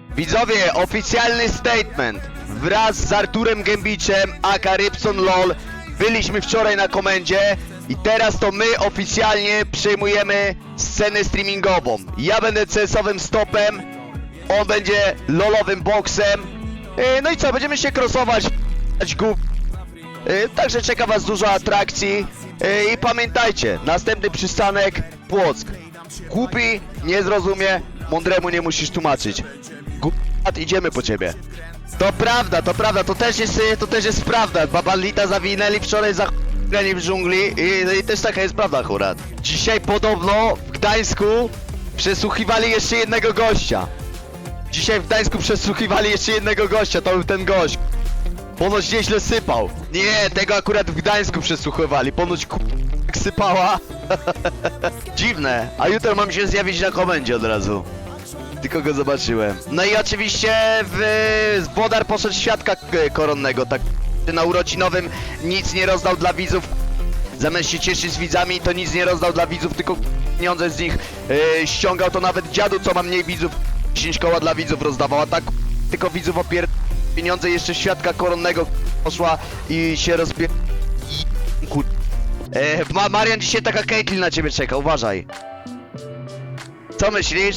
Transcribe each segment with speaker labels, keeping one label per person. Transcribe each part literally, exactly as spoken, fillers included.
Speaker 1: Widzowie, oficjalny statement. Wraz z Arturem Gębiczem, aka Rybson LOL, byliśmy wczoraj na komendzie i teraz to my oficjalnie przejmujemy scenę streamingową. Ja będę C S-owym stopem, on będzie lolowym boksem. Yy, No i co, będziemy się crossować, głup. Yy, Także czeka was dużo atrakcji. Yy, I pamiętajcie, następny przystanek Płock. Głupi nie zrozumie, mądremu nie musisz tłumaczyć. Głupat, idziemy po ciebie. To prawda, to prawda, to też jest, to też jest prawda. Baba Lita zawinęli wczoraj za ch**anie w dżungli i, i też taka jest prawda akurat. Dzisiaj podobno w Gdańsku przesłuchiwali jeszcze jednego gościa. Dzisiaj w Gdańsku przesłuchiwali jeszcze jednego gościa, to był ten gość. Ponoć nieźle sypał. Nie, tego akurat w Gdańsku przesłuchiwali, ponoć k***, sypała. Dziwne, a jutro mam się zjawić na komendzie od razu. Tylko go zobaczyłem. No i oczywiście w... Włodar poszedł świadka koronnego, tak na urodzinowym nic nie rozdał dla widzów. Zamiast się cieszyć z widzami, to nic nie rozdał dla widzów, tylko pieniądze z nich yy, ściągał. To nawet dziadu, co ma mniej widzów, dziesięć koła dla widzów rozdawał, a tak tylko widzów opier... pieniądze jeszcze świadka koronnego poszła i się rozpier... Kur... E, Ma Marian, dzisiaj taka Caitlyn na ciebie czeka, uważaj. Co myślisz?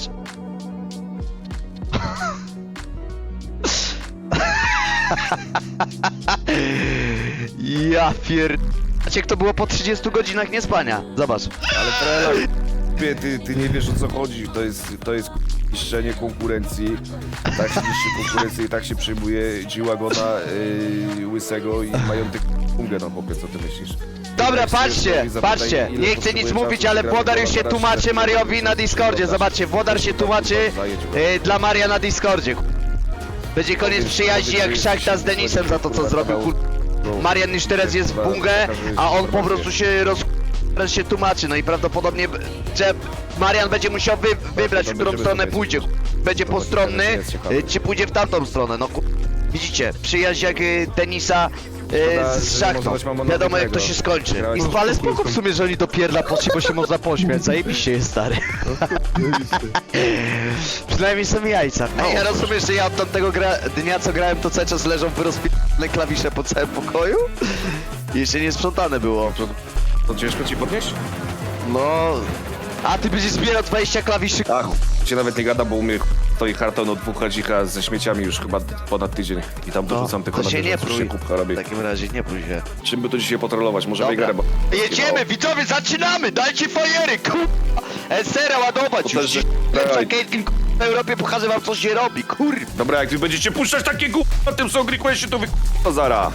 Speaker 1: Ja pier... Jak to było po trzydziestu godzinach niespania. Zobacz.
Speaker 2: Ale Trela, ty, ty, ty nie wiesz, o co chodzi. To jest, to jest niszczenie konkurencji. Tak się niszczy konkurencji i tak się przyjmuje G-Wagona, yy, łysego i majątek pungę na chłopie, co ty myślisz?
Speaker 1: Dobra, patrzcie, patrzcie. Nie chcę nic mówić, ale Włodar już się tłumaczy Mariowi na Discordzie. Zobaczcie, Włodar się tłumaczy yy, dla Maria na Discordzie. Będzie koniec przyjaźni jak Szachta z Denisem za to, co zrobił. Kur... Marian już teraz jest w bungę, a on po prostu się roz... teraz się tłumaczy. No i prawdopodobnie, że Marian będzie musiał wy... wybrać, w którą stronę pójdzie. Będzie postronny, yy, czy pójdzie w tamtą stronę. No kur... Widzicie, przyjaźń jak yy, Denisa yy, z Szachtą. Wiadomo jak to się skończy. No, ale spoko w sumie, że oni do pierdla poszli, bo się można pośmiać. Zajebiście jest, stary. Przynajmniej są jajca. Ej, ja rozumiem, że ja od tamtego gra... dnia, co grałem, to cały czas leżą wyrozpierane klawisze po całym pokoju? I jeszcze nie sprzątane było.
Speaker 2: To, to ciężko ci podnieść?
Speaker 1: No... A ty będziesz zbierał dwadzieścia klawiszy.
Speaker 2: Ach, cię nawet nie gada, bo u mnie stoi karton od dwóch hadzika ze śmieciami już chyba ponad tydzień. I tam dorzucam tylko
Speaker 1: to
Speaker 2: na
Speaker 1: się nie
Speaker 2: bieżąco,
Speaker 1: prój.
Speaker 2: kubka robi.
Speaker 1: W takim razie nie prój się.
Speaker 2: Czym by to dzisiaj potrolować? Może
Speaker 1: Dobra.
Speaker 2: wygrę, bo...
Speaker 1: Jedziemy, widzowie, zaczynamy! Dajcie fajery, kur... Esera ładować
Speaker 2: To
Speaker 1: już.
Speaker 2: też-
Speaker 1: Lepsza
Speaker 2: dawaj.
Speaker 1: Caitlyn, kur... w Europie pokaże wam, co się robi, kur...
Speaker 2: Dobra, jak wy będziecie puszczać takie gó... na tym Song Requestie, to wy to zara.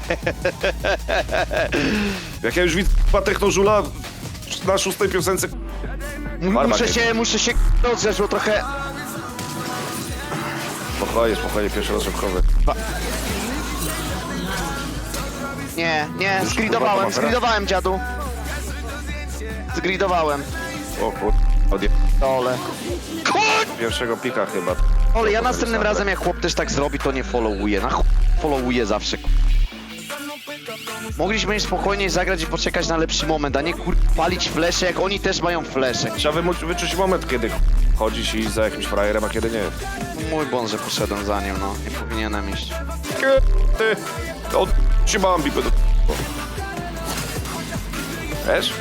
Speaker 2: Jak ja już widzę k***a technożula na szóstej piosence... Barba
Speaker 1: Muszę
Speaker 2: nie.
Speaker 1: się, muszę się rozgrzać, bo trochę...
Speaker 2: Spokojnie, spokojnie, pierwszy raz żabkowy.
Speaker 1: Nie, nie,
Speaker 2: Już
Speaker 1: zgridowałem,
Speaker 2: kurwa,
Speaker 1: zgridowałem, dziadu. Zgridowałem.
Speaker 2: O kur... od
Speaker 1: Dole. Kur...
Speaker 2: pierwszego pika chyba.
Speaker 1: Ole, ja następnym razem jak chłop też tak zrobi, to nie followuję. Na ch... followuję zawsze. Mogliśmy im spokojniej zagrać i poczekać na lepszy moment, a nie kur... palić flesze, jak oni też mają flesze.
Speaker 2: Trzeba wymu- wyczuć moment, kiedy chodzisz i za jakimś frajerem, a kiedy nie.
Speaker 1: Mój błąd, że poszedłem za nim, no. Nie powinienem iść.
Speaker 2: Ty, od ci Bambi do... Wiesz?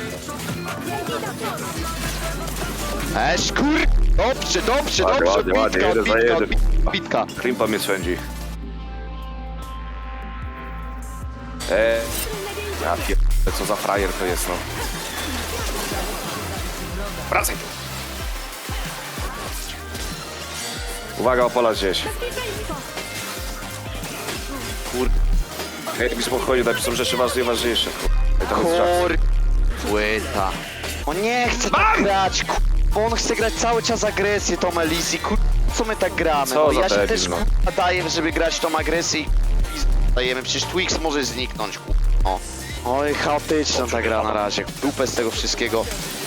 Speaker 1: Eś, kur... Dobrze, dobrze,
Speaker 2: Ładnie,
Speaker 1: dobrze,
Speaker 2: ładnie, ładnie,
Speaker 1: bitka,
Speaker 2: jeden za
Speaker 1: bitka,
Speaker 2: jeden.
Speaker 1: bitka, bitka.
Speaker 2: Krimpa mnie swędzi. Eee... Ja pier... co za frajer to jest, no. Wracaj! Uwaga, opala gdzieś. Kur... Hej, mi spokojnie, daj, są rzeczy ważne, ważniejsze. Ej, tam jest żart.
Speaker 1: Kur... Płyta. On nie chce tak grać, kur... Bo on chce grać cały czas agresję, tą Elisi, kur... Co my tak gramy?
Speaker 2: Co
Speaker 1: No,
Speaker 2: za
Speaker 1: ja się
Speaker 2: debil,
Speaker 1: też
Speaker 2: no.
Speaker 1: kur... daję, żeby grać tą agresję i dajemy. Przecież Twix może zniknąć, kur... O. Oj, chaotyczna ta gra na razie. Dupę z tego wszystkiego.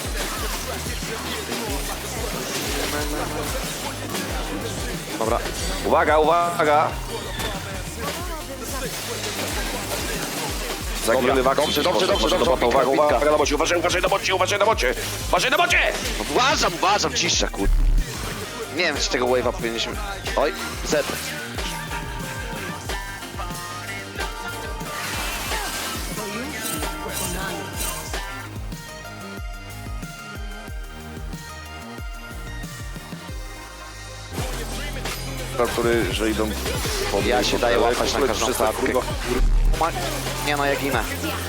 Speaker 1: Dobra.
Speaker 2: Uwaga, uwaga! Zaginiony wak.
Speaker 1: dobrze, dobrze, dobrze, dobrze,
Speaker 2: Uwaga,
Speaker 1: bitka,
Speaker 2: uwaga,
Speaker 1: bitka.
Speaker 2: na bocie, uważaj, uważaj na bocie, uważaj na bocie! Uważaj na bocie!
Speaker 1: Uważam, uważam, cisza, kur... Nie wiem, czy tego wave'a powinniśmy... Oj, Z.
Speaker 2: który, że idą po
Speaker 1: Ja
Speaker 2: mnie,
Speaker 1: się
Speaker 2: po
Speaker 1: daję
Speaker 2: prawej,
Speaker 1: łapać na
Speaker 2: po
Speaker 1: każdą
Speaker 2: przestań,
Speaker 1: klatkę.
Speaker 2: kurwa.
Speaker 1: Ma- Nie no, ja ginę.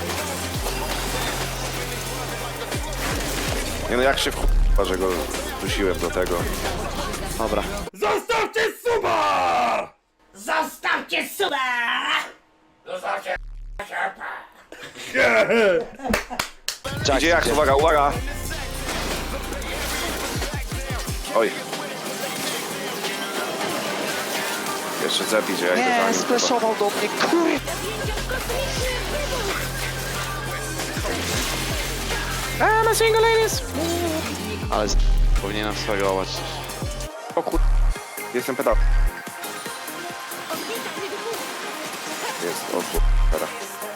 Speaker 2: Nie no, jak się w że go dusiłem do tego.
Speaker 1: Dobra.
Speaker 3: Zostawcie suba! Zostawcie suba! Zostawcie
Speaker 1: Jack,
Speaker 2: Idzie jak, uwaga, uwaga! Oj. Jeszcze Z idzie, ja idę za
Speaker 1: Nie,
Speaker 2: nim.
Speaker 1: splashował do mnie, kur...
Speaker 3: I'm a single ladies!
Speaker 1: Ale z... powinienem swagować.
Speaker 2: O kur... Jestem pedał. Jest, o kur... Teraz.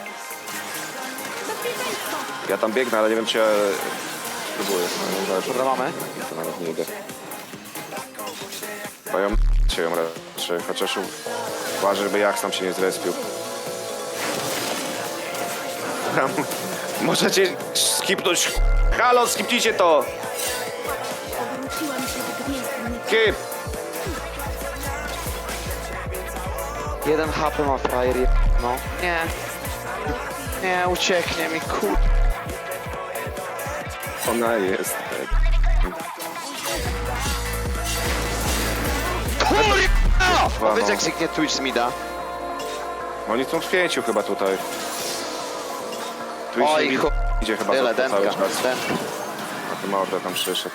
Speaker 2: Ja tam biegnę, ale nie wiem czy ja... Spróbuję, no nie zależy.
Speaker 1: Dobra, mamy.
Speaker 2: To nawet nie idę. Bo ją się ją raczej, chociaż u- uważaj, żeby Jax tam się nie zrespił. Tam, możecie skipnąć. Halo, skipnijcie to!
Speaker 4: Obróciłam się w gniew, nie
Speaker 2: Skip!
Speaker 1: Jeden H P ma frajer, je- no. Nie. Nie, ucieknie mi, kur...
Speaker 2: Ona jest.
Speaker 1: Kurwa!
Speaker 2: no.
Speaker 1: Powiedz jak zniknie Twitch z mida.
Speaker 2: Oni są w pięciu chyba tutaj. Tu
Speaker 1: Oj,
Speaker 2: idzie,
Speaker 1: chu...
Speaker 2: idzie chyba
Speaker 1: Tyle,
Speaker 2: to, to cały
Speaker 1: dętka,
Speaker 2: czas.
Speaker 1: dętka.
Speaker 2: A ty mordę tam przyszedł.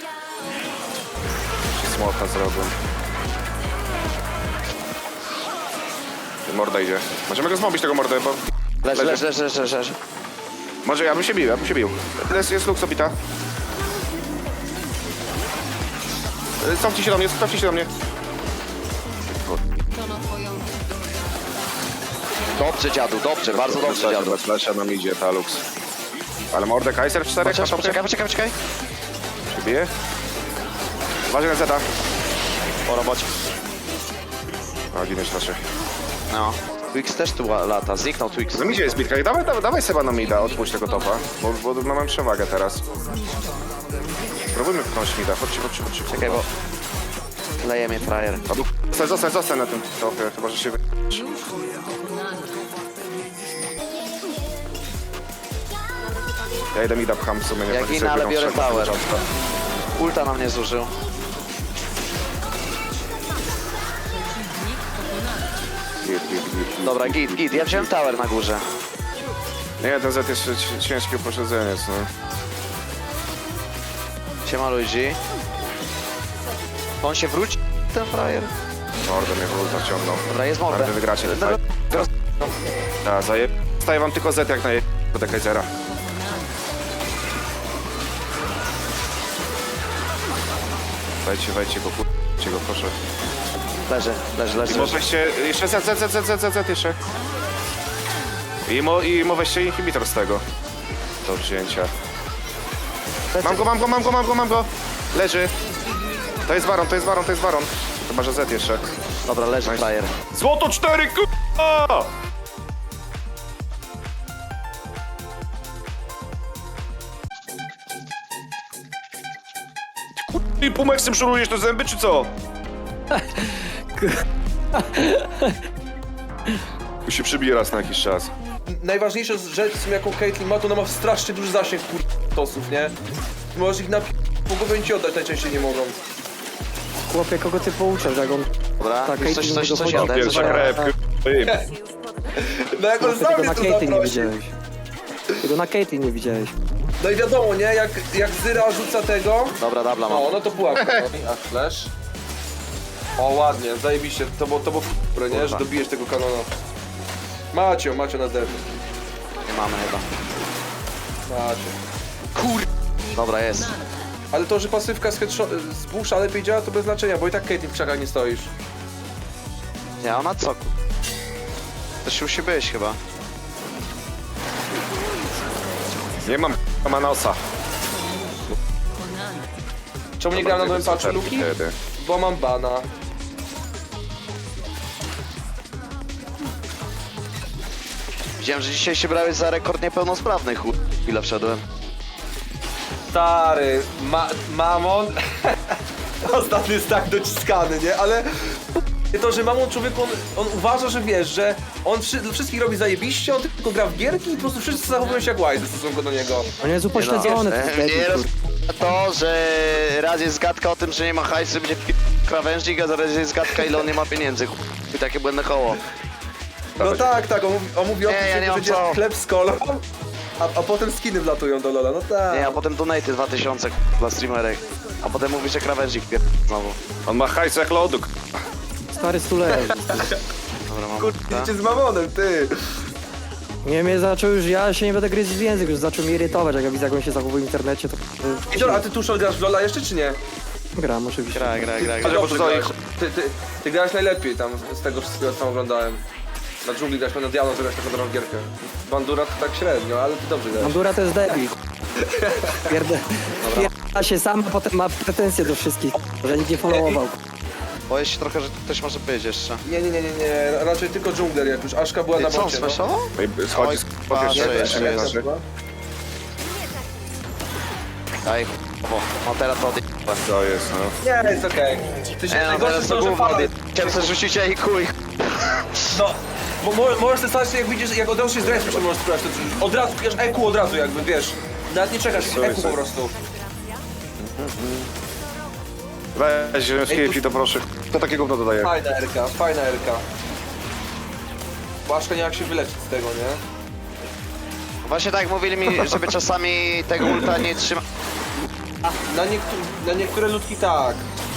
Speaker 2: Ci smoka zrobił. Ty morda idzie. Możemy go zmobić tego mordę, bo...
Speaker 1: Leży, leży, leży, leży, leży, leży.
Speaker 2: Może ja bym się bił, ja bym się bił. Jest, jest Lux obita. Y, Cofnij się do mnie, cofnij się do mnie.
Speaker 1: Dobrze, dziadu, dobrze, bardzo dobrze, dziadu.
Speaker 2: Bez flesza nam idzie ta Lux. Ale mordę Kaiser w czterech na
Speaker 1: Poczekaj,
Speaker 2: topie.
Speaker 1: poczekaj, poczekaj, poczekaj.
Speaker 2: Przybije. Uważaj na Zeta.
Speaker 1: Po robocie.
Speaker 2: O, ginąć raczej.
Speaker 1: No. Twix też tu ła- lata, zniknął Twix.
Speaker 2: No idzie jest bitka i dawaj, dawaj, dawaj Seba na mida, odpuść tego topa. Bo, bo mamy przewagę teraz. Spróbujmy pchnąć mida, chodźcie, chodźcie, chodźcie.
Speaker 1: Czekaj, bo... Leje mnie frajer.
Speaker 2: A tu- Zostań, zostań, zostań na tym topie, chyba że się wy... Ja idę mida pcham w sumie, nie
Speaker 1: Ja
Speaker 2: chodzi
Speaker 1: ginę,
Speaker 2: sobie
Speaker 1: ale
Speaker 2: biegną
Speaker 1: biorę
Speaker 2: trzech na
Speaker 1: tower.
Speaker 2: początku.
Speaker 1: Ulta na mnie zużył.
Speaker 2: Git, git, git, git,
Speaker 1: Dobra, git, git. Ja wziąłem tower na górze.
Speaker 2: Nie, ten Z jest ci- ciężki upośledzeniec, no.
Speaker 1: Siema ludzi. On się wróci, ten frajer.
Speaker 2: Mordę mnie w ulta wciągnął.
Speaker 1: Dobra, jest mordę.
Speaker 2: Ale wy wygracie ten
Speaker 1: Dobra,
Speaker 2: fight. Tak, zaje... Staję wam tylko Z jak na je... do Kaisera. Wejdźcie, wejdźcie go, kurczcie go, proszę.
Speaker 1: Leży, leży, leży.
Speaker 2: I mo weźcie... Jeszcze Z, Z, Z, Z, Z, Z, Z jeszcze. I mo, i mo weźcie inhibitor z tego. Do wzięcia. Mam go, mam go, mam go, mam go, mam go! Leży. To jest Baron, to jest Baron, to jest Baron. Chyba, że Z jeszcze.
Speaker 1: Dobra, leży
Speaker 2: Nice.
Speaker 1: frajer.
Speaker 2: Złoto cztery, k***a! I Pumeksem szurujesz te zęby, czy co? Tu się przybije raz na jakiś czas.
Speaker 5: Najważniejsza rzecz, w sumie, jaką Caitlyn ma, to ona ma strasznie duży zasięg kur... tosów, nie? Możesz ich na po głowie ci oddać, najczęściej nie mogą.
Speaker 6: Chłopie, kogo ty pouczasz, jak on...
Speaker 1: Dobra,
Speaker 6: Tak,
Speaker 1: już coś,
Speaker 6: Caitlyn
Speaker 1: coś,
Speaker 6: go
Speaker 1: coś
Speaker 6: podał.
Speaker 1: jadę, coś
Speaker 2: Pierwsza
Speaker 1: jadę.
Speaker 2: krep, k***a.
Speaker 5: No jak on
Speaker 6: Chłopie,
Speaker 5: sam
Speaker 6: tego
Speaker 5: mnie
Speaker 6: na
Speaker 5: tu
Speaker 6: Caitlyn nie
Speaker 5: zaprosił.
Speaker 6: widziałeś. Tego na Caitlyn nie widziałeś.
Speaker 5: No i wiadomo, nie? Jak, jak Zyra rzuca tego...
Speaker 1: Dobra, dabla mam.
Speaker 5: O, no to pułapka. No. A flash? O, ładnie, zajebiście. To było, to było f***re, nie? Że dobijesz tego kanona. Macio, Macio na zerwę.
Speaker 1: Nie mamy chyba.
Speaker 5: Macio.
Speaker 1: Kur... Dobra, jest.
Speaker 5: Ale to, że pasywka z, headshot- z busza lepiej działa, to bez znaczenia, bo i tak Caitlyn w krzakach nie stoisz.
Speaker 1: Nie, ona co? ku- To się musi być chyba.
Speaker 2: Nie mam Manosa.
Speaker 5: Czemu nie grałem na nowym patchu Luki?
Speaker 2: Wtedy.
Speaker 5: bo mam bana.
Speaker 1: Widziałem, że dzisiaj się brałeś za rekord niepełnosprawnych. Chu... Chwilę wszedłem.
Speaker 5: Stary, ma mamon. Ostatnio jest tak dociskany, nie? Ale to, że mamon człowiek, on, on uważa, że wiesz, że on wszy wszystkich robi zajebiście, on tylko gra w gierki i po prostu wszyscy zachowują się jak łajzy w stosunku do niego.
Speaker 6: On jest upośledzony.
Speaker 1: E,
Speaker 6: ten
Speaker 1: Mnie
Speaker 6: debil,
Speaker 1: roz...
Speaker 6: kur-
Speaker 1: to, że raz jest gadka o tym, że nie ma hajsu, będzie p... krawężnik, a zaraz jest gadka, ile on nie ma pieniędzy. Chu... I takie błędne koło.
Speaker 5: No tak, tak, on mówi, on mówi o
Speaker 1: Nie,
Speaker 5: tym,
Speaker 1: ja
Speaker 5: że
Speaker 1: nie mam
Speaker 5: będzie
Speaker 1: co.
Speaker 5: chleb z kolą, a, a potem skiny wlatują do Lola, no tak.
Speaker 1: Nie, a potem donaty dwa tysiące dla streamerek. A potem mówi, że krawężnik pier... znowu.
Speaker 2: On ma hajs jak lodu.
Speaker 6: Stary stuleż.
Speaker 1: Dobra, mam.
Speaker 5: Kurde, idzie z mamonem, ty.
Speaker 6: Nie, mnie zaczął już, ja się nie będę gryźć w język, już zaczął mnie irytować, jak ja widzę, jak on się zachowuje w internecie, to...
Speaker 5: Ej, dobra, a ty Tuszol grasz w Lola jeszcze, czy nie?
Speaker 6: Gram oczywiście.
Speaker 1: Gra, gra, gra,
Speaker 5: Ty
Speaker 1: gra.
Speaker 5: dobrze grałeś. Ty, ty, ty grałeś najlepiej tam, z tego wszystkiego, co tam oglądałem. Na dżungli grałeś, na Diablo zagrałeś taką dobrą gierkę. Bandura to tak średnio, ale ty dobrze grałeś.
Speaker 6: Bandura to jest debil. Pierdę... Pierda się sam, a potem ma pretensje do wszystkich, że nikt nie followował.
Speaker 1: Boję się trochę, że ktoś może być jeszcze.
Speaker 5: Nie, nie, nie, nie, nie, raczej tylko dżungler, jak już Aszka była na
Speaker 1: Ty, co on
Speaker 5: bocie, no.
Speaker 1: smashował?
Speaker 2: Schodzi z
Speaker 1: patrzę,
Speaker 2: pierwszego,
Speaker 1: jeszcze
Speaker 2: nie
Speaker 1: jest.
Speaker 2: znaczy.
Speaker 1: Daj, o, no teraz to odje...
Speaker 2: To jest, no.
Speaker 5: Nie, jest okej. Ty się
Speaker 1: Nie, no
Speaker 5: najgorsze
Speaker 1: teraz
Speaker 5: jest
Speaker 1: to
Speaker 5: to, że
Speaker 1: gówno
Speaker 5: fala...
Speaker 1: odje... Chciałem sobie rzucić i kuj.
Speaker 5: No, bo mo możesz sobie stać, jak widzisz, jak od razu się zrespisz, to możesz spróbować to rzucić. Od razu, bierz E Q od razu jakby, wiesz. Nawet nie czekasz E Q po prostu.
Speaker 2: Weź ziemski to proszę. To takie gówno dodaje.
Speaker 5: Fajna Erka, fajna Erka. Błaszka nie jak się wyleczyć z tego, nie?
Speaker 1: Właśnie tak mówili mi, żeby czasami tego ulta nie trzyma...
Speaker 5: Na, niektó na niektóre ludki tak.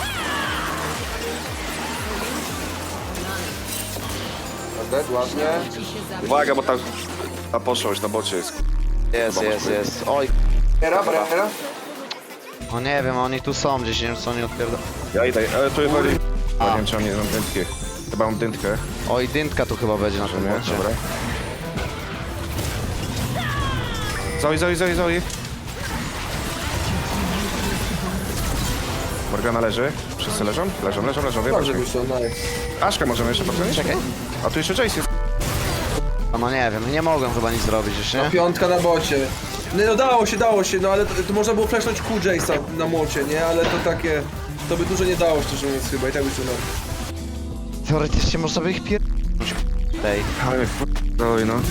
Speaker 5: Dead, ładnie.
Speaker 2: Uwaga, bo tam ta poszłość na bocie jest.
Speaker 1: Jest, jest, jest. Oj,
Speaker 5: Era, era.
Speaker 1: no nie wiem, oni tu są gdzieś, nie wiem co oni odpierdolą.
Speaker 2: Ja idę, ale tu jest bardziej... Nie wiem, czy mam nie mam dętkę. Chyba mam dętkę.
Speaker 1: Oj, dyntka tu chyba będzie na tym
Speaker 2: Nie?
Speaker 1: bocie.
Speaker 2: Dobra. Zoe, Zoe, Zoe, Zoe. Morgana leży. Wszyscy leżą? Leżą, leżą, leżą. Wiem,
Speaker 5: Dobrze wyszło, nice.
Speaker 2: Aszkę możemy jeszcze podjąć?
Speaker 1: Czekaj.
Speaker 2: A tu jeszcze Jace jest.
Speaker 1: No nie wiem, nie mogłem chyba nic zrobić już, nie?
Speaker 5: Piątka na bocie. Nie, no dało się, dało się, no ale to, to można było flashnąć Q Jace'a na młocie, nie? Ale to takie... To by dużo nie dało, szczerze mówiąc chyba i tak by się no.
Speaker 1: Teoretycznie można by ich pier... Tej.
Speaker 2: Ale Zoe, no.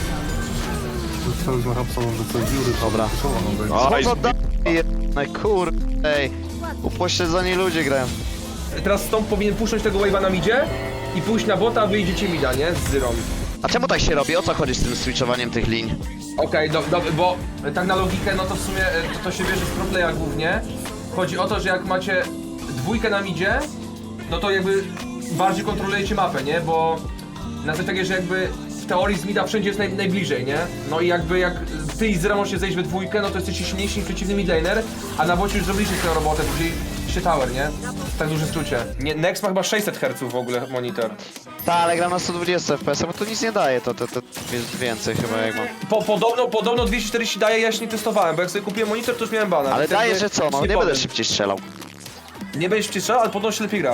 Speaker 1: Dobra.
Speaker 2: Oj,
Speaker 1: Co to da... jedne, kurde, ej. Upośledzeni ludzie grają.
Speaker 5: Teraz Stomp powinien puszcząć tego wave'a na midzie i pójść na bota, a wy idziecie mida, nie? Z Zyrą.
Speaker 1: A czemu tak się robi? O co chodzi z tym switchowaniem tych linii?
Speaker 5: Okej, do, do, bo tak na logikę, no to w sumie e, to, to się bierze z proplaya głównie. Chodzi o to, że jak macie dwójkę na midzie, no to jakby bardziej kontrolujecie mapę, nie? Bo na zasadzie takiej, że jakby w teorii z mida wszędzie jest naj, najbliżej, nie? No i jakby jak ty i Zyra możecie zejść we dwójkę, no to jesteście silniejsi niż przeciwny midlaner, a na bocie już zrobiliście swoją robotę, czyli się tower, nie? W tak dużym skrócie. Nie, Nex ma chyba sześćset herców w ogóle monitor.
Speaker 1: Ta, ale gram na sto dwadzieścia F P S, bo to nic nie daje, to, to, to jest więcej chyba jak mam.
Speaker 5: Po, podobno, podobno dwieście czterdzieści daje, ja jeszcze nie testowałem, bo jak sobie kupiłem monitor, to już miałem bana.
Speaker 1: Ale
Speaker 5: więc
Speaker 1: daje,
Speaker 5: jakby
Speaker 1: że co, no
Speaker 5: nic
Speaker 1: nie będę
Speaker 5: powiem.
Speaker 1: szybciej strzelał.
Speaker 5: Nie będziesz wciszał, ale podobno się lepiej gra.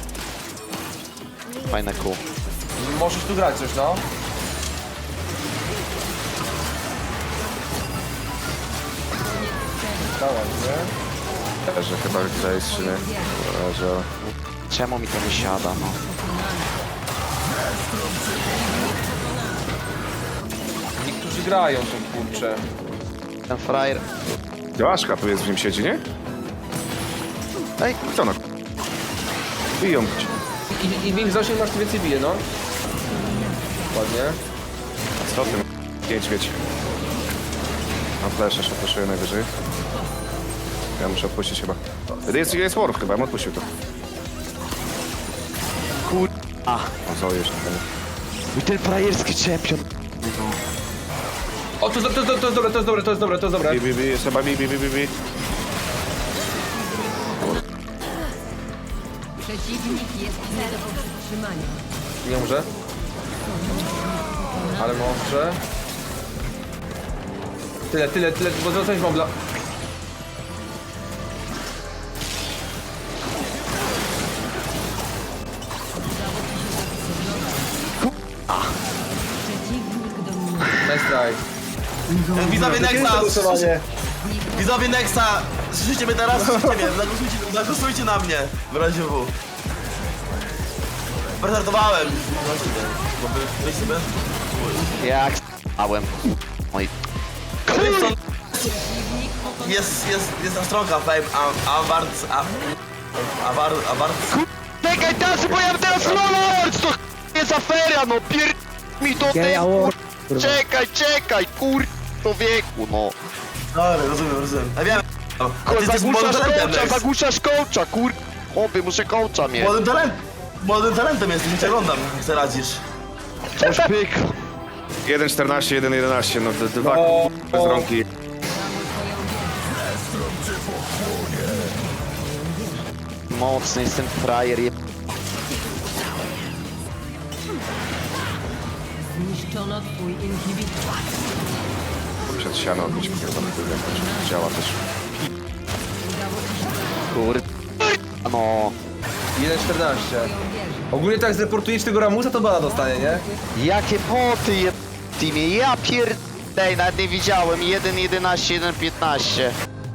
Speaker 1: Fajne kół.
Speaker 5: Możesz tu grać coś, no. Dawaj, nie?
Speaker 2: że chyba Jace, czy nie? Że...
Speaker 1: Czemu mi to nie siada, no?
Speaker 5: Niektórzy grają tu, kurczę.
Speaker 1: Ten frajer...
Speaker 2: Aszka tu jest, w nim siedzi, nie?
Speaker 1: Ej,
Speaker 2: Co no? Biją cię.
Speaker 5: I, i większy zasięg masz, to więcej bije, no. Ładnie.
Speaker 2: Co ty? Pięć, wiecie. Mam flash, jeszcze flashuję najwyżej. Ja muszę odpuścić chyba. Jest, jest Warf chyba, ja bym odpuścił to.
Speaker 1: kur... A,
Speaker 2: O, Zoe jeszcze tam.
Speaker 1: i ten frajerski champion.
Speaker 5: O, to, to, to, to jest dobre, to jest dobre, to jest dobre, to jest dobre.
Speaker 2: Bi, bi, bi, jest chyba bi, bi, bi, bi, bi.
Speaker 7: Przeciwnik jest nie do powstrzymania.
Speaker 5: Nie może. Ale może. Tyle, tyle, tyle, bo to coś mam dla... Czekaj.
Speaker 3: Widzowie Nexa,
Speaker 6: głosowanie.
Speaker 3: widzowie Nexa, słyszycie mnie teraz? Słyszycie mnie, zagłosujcie, zagłosujcie na mnie, w razie W. Prezentowałem. Bo wy, weź sobie.
Speaker 1: Jak s***ałem. Oj.
Speaker 3: Rybson jest, jest, jest na stronka fame, a, a wart, a, a wart, a wart.
Speaker 1: Czekaj, Tasy, bo ja mam teraz Lolords! To ch- jest afera, no pier... mi to
Speaker 6: Gay
Speaker 1: ty,
Speaker 6: award.
Speaker 1: kur... Czekaj, czekaj, kur... to wieku, no.
Speaker 3: Dobra, rozumiem, rozumiem. Ja wiem. A
Speaker 1: Kur,
Speaker 3: ty jesteś młodym
Speaker 1: zagłuszasz
Speaker 3: talentem,
Speaker 1: coacha,
Speaker 3: Nex.
Speaker 1: zagłuszasz coacha, kur... Oby, muszę coacha mieć.
Speaker 3: Młodym talentem. Młodym talentem jesteś, nie cię oglądam, jak sobie radzisz.
Speaker 1: Coś pyk.
Speaker 2: jeden czternaście, jeden jedenaście, no d- dwa
Speaker 5: No.
Speaker 2: bez rąki.
Speaker 1: Mocny jest ten frajer, je...
Speaker 7: Zniszczono twój inhibitor.
Speaker 2: Przed siano odbić pierdolony byłem, to działa też.
Speaker 1: kur... No...
Speaker 5: jeden czternaście. Ogólnie tak zreportujesz tego Ramusa, to bana dostanie, nie?
Speaker 1: Jakie poty je... w teamie, ja pier... Dej, nawet nie widziałem, jeden jedenaście, jeden piętnaście.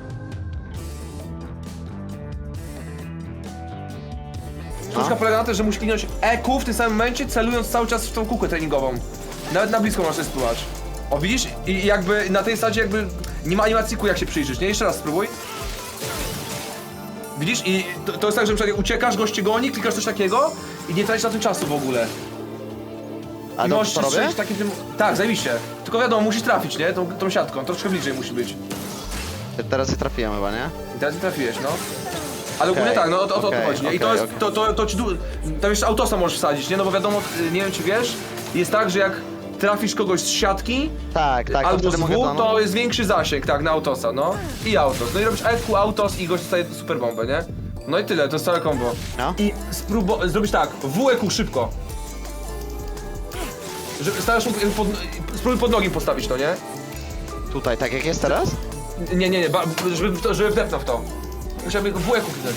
Speaker 5: Sztuczka polega na tym, że musi kliknąć E Q w tym samym momencie, celując cały czas w tą kółkę treningową. Nawet na blisko możesz spróbować. O, widzisz? I jakby na tej zasadzie jakby nie ma animacji kół, jak się przyjrzysz, nie? Jeszcze raz spróbuj. Widzisz? I to, to jest tak, że na przykład uciekasz, goście goni, klikasz coś takiego i nie tracisz na tym czasu w ogóle.
Speaker 1: A
Speaker 5: I
Speaker 1: dobrze
Speaker 5: możesz
Speaker 1: to robię?
Speaker 5: strzelić takim tym... Tak, zajebiście. Tylko wiadomo, musisz trafić, nie? Tą, tą siatką, troszkę bliżej musi być.
Speaker 1: Teraz je trafiłem chyba, nie?
Speaker 5: I teraz nie trafiłeś, no. Ale ogólnie
Speaker 1: Okej,
Speaker 5: tak, no o to, o to
Speaker 1: okej,
Speaker 5: chodzi, nie? I to
Speaker 1: okej,
Speaker 5: jest,
Speaker 1: okej.
Speaker 5: to, to, to ci du... Tam jeszcze autosa możesz wsadzić, nie? No bo wiadomo, nie wiem czy wiesz, jest tak, że jak trafisz kogoś z siatki,
Speaker 1: Tak, tak. to
Speaker 5: albo
Speaker 1: wtedy
Speaker 5: z
Speaker 1: mogę
Speaker 5: W, to jest większy zasięg, tak, na autosa, no. I autos. No i robisz E Q, autos i gość dostaje super bombę, nie? No i tyle, to jest całe combo.
Speaker 1: No.
Speaker 5: I spróbuj zrobić tak, W E Q szybko. Żeby starasz mu pod, spróbuj pod nogi postawić to, nie?
Speaker 1: Tutaj, tak jak jest teraz?
Speaker 5: Nie, nie, nie, ba, żeby, w to- żeby wdepnął w to. Musiałby w E Q kliknąć.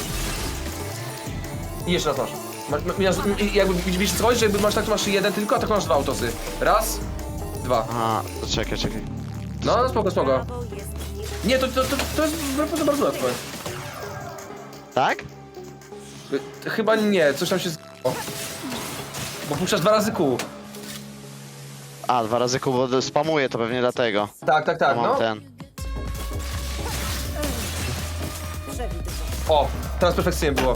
Speaker 5: I jeszcze raz masz. masz, masz i jakby widzisz co chodzi, że jakby masz tak, to masz jeden tylko, a tak masz dwa autosy. Raz, dwa.
Speaker 1: Aha, to czekaj, czekaj.
Speaker 5: No, no spoko, spoko. Nie, to, to, to, to jest bardzo, bardzo łatwe.
Speaker 1: Tak?
Speaker 5: Y, Chyba nie, coś tam się z... Bo puszczasz dwa razy kół.
Speaker 1: A, dwa razy kół, bo spamuję to pewnie dlatego.
Speaker 5: Tak, tak, tak,
Speaker 1: Mam
Speaker 5: no.
Speaker 1: ten.
Speaker 5: O, teraz perfekcyjnie było.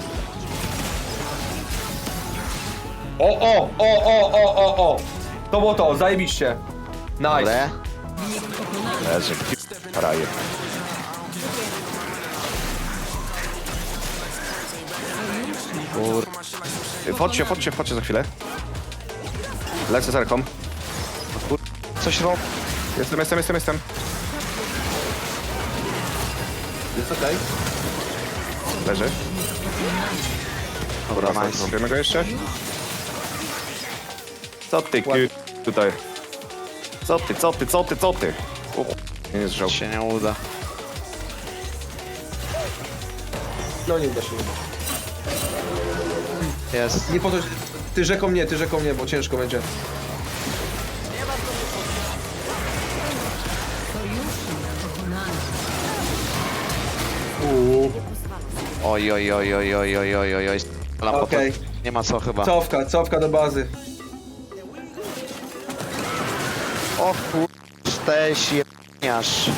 Speaker 5: O, o, o, o, o, o, o. To było to, zajebiście. Nice.
Speaker 1: Ale...
Speaker 2: Leży, frajer.
Speaker 1: Kur...
Speaker 2: Wchodźcie, wchodźcie, wchodźcie za chwilę. Lecę z Erką.
Speaker 1: Coś rob...
Speaker 2: Jestem, jestem, jestem, jestem.
Speaker 5: Jest okej.
Speaker 2: Leży.
Speaker 1: Dobra,
Speaker 2: Dobra,
Speaker 1: nice.
Speaker 2: zrobimy go jeszcze. Co ty, ki... tutaj. Co ty, co ty, co ty, co ty? O, ch- nie jest żał.
Speaker 1: Się nie uda.
Speaker 5: No nie uda się.
Speaker 1: Jest.
Speaker 5: Nie po to, że- ty rzeką nie, ty rzeką nie, bo ciężko będzie.
Speaker 1: Oj, oj, oj, oj, oj, oj, oj, oj, oj. Lampa
Speaker 5: Okej.
Speaker 1: to... Nie ma co chyba.
Speaker 5: Cofka, cofka do bazy.
Speaker 1: O kur... Teś jebniarz.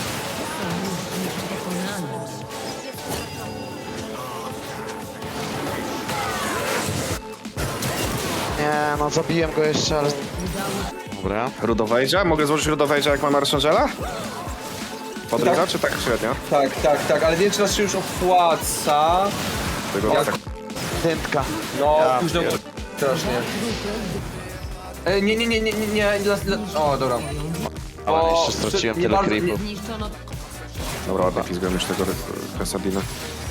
Speaker 1: Nie, no zabiłem go jeszcze, ale... Dobra.
Speaker 2: Rudowejdzia? Mogę złożyć Rudowejdzia jak mam Archangela? Podrywa,
Speaker 5: Tak.
Speaker 2: czy tak średnio?
Speaker 5: Tak, tak, tak, ale nie wiem czy nas się już opłaca.
Speaker 2: Tego
Speaker 5: Ja-
Speaker 2: tak.
Speaker 1: Dętka.
Speaker 5: No,
Speaker 1: Ja
Speaker 5: późno
Speaker 1: pier-
Speaker 5: strasznie. E, nie, nie, nie, nie, nie, nie, dla, dla, o, dobra.
Speaker 1: Ale
Speaker 5: O,
Speaker 1: jeszcze straciłem
Speaker 5: nie
Speaker 1: tyle
Speaker 5: bardzo-
Speaker 1: creepów.
Speaker 7: Zniszczono
Speaker 2: Dobra, ładnie pizgłem już tego Resadina.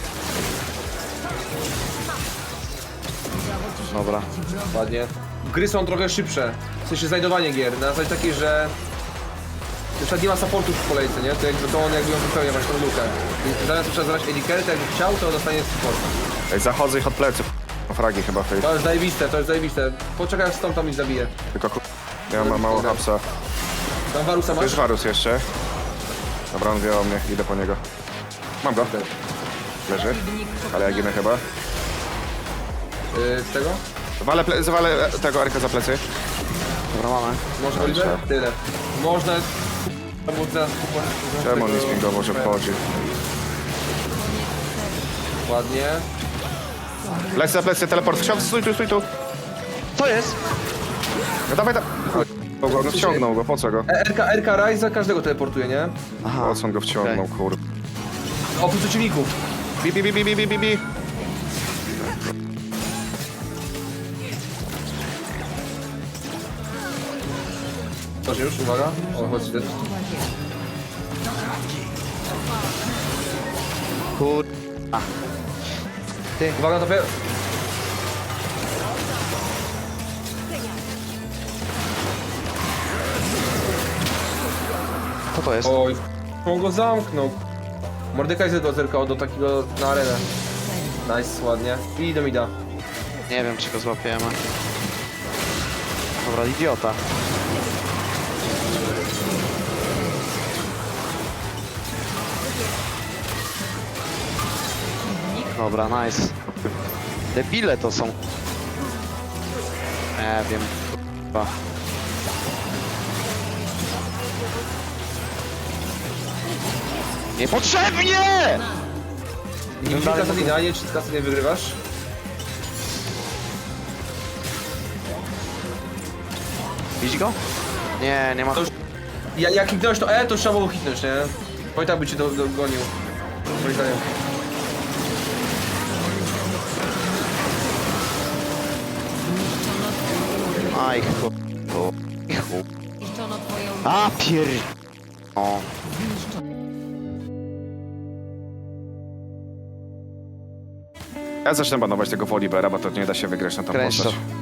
Speaker 1: Dobra.
Speaker 5: Ładnie. Gry są trochę szybsze. W sensie znajdowanie gier. Na zasadzie takiej, że... Na przykład nie ma supportów w kolejce, nie? To jakby to on jakby ją wypełnia właśnie tą lukę. I zamiast trzeba zabrać Ediker, to jakby chciał, to dostanie support.
Speaker 2: Ej, zachodzę ich od plecy. Fragi chyba tej.
Speaker 5: To jest zajebiste, to jest zajebiste. Poczekaj, aż stąd tam ich zabije.
Speaker 2: Tylko ku... Ja mam mało hapsa.
Speaker 5: Tam Warusa
Speaker 2: To
Speaker 5: masz?
Speaker 2: jest Varus jeszcze. Dobra, on wie o mnie, idę po niego. Mam go. Leży. Ale ja ginę chyba.
Speaker 5: Yy, z tego?
Speaker 2: Walę, ple- zwalę e, tego Arka za plecy.
Speaker 6: Dobra, mamy.
Speaker 5: Może Oliver? Tyle. Można... Albo teraz kupować...
Speaker 2: Czemu on nie spingował, że wchodzi?
Speaker 5: Ładnie.
Speaker 2: Plecy za plecy, teleport. Wsiądź, stój tu, stój tu.
Speaker 1: Co jest?
Speaker 2: No dawaj tam. No, no wciągnął go, po co go?
Speaker 5: E, R K, R K Ryza każdego teleportuje, nie?
Speaker 1: Aha.
Speaker 2: Po co on go wciągnął, kurde.
Speaker 5: Oprócz przeciwników.
Speaker 2: Bi, bi, bi, bi, bi, bi, bi, bi.
Speaker 5: Proszę już, uwaga. O, chodź ty.
Speaker 1: Kur...
Speaker 5: Uwaga, to pe...
Speaker 1: Co to jest?
Speaker 5: Oj, on go zamknął. Mordekaj zerkał zerkał do takiego na arenę. Nice, ładnie. I do mida.
Speaker 1: Nie wiem, czy go złapiemy. Dobra, idiota. Dobra, nice. Debile to są. Nie wiem. Kurwa. Niepotrzebnie!
Speaker 5: Kilka Kasadina, nie, czy Kasadina wygrywasz?
Speaker 1: Widzisz go? Nie, nie ma.
Speaker 5: To już... Ja, jak hitnąłeś to E, to trzeba było hitnąć, nie? Bo i tak by cię do- dogonił. Moim zdaniem.
Speaker 1: Aj, chu... chu- chu-
Speaker 7: Zniszczono twoją...
Speaker 1: A pier... O.
Speaker 2: Ja zacznę banować tego Wolibera, bo to nie da się wygrać na tą
Speaker 1: Kręć to.
Speaker 2: postać.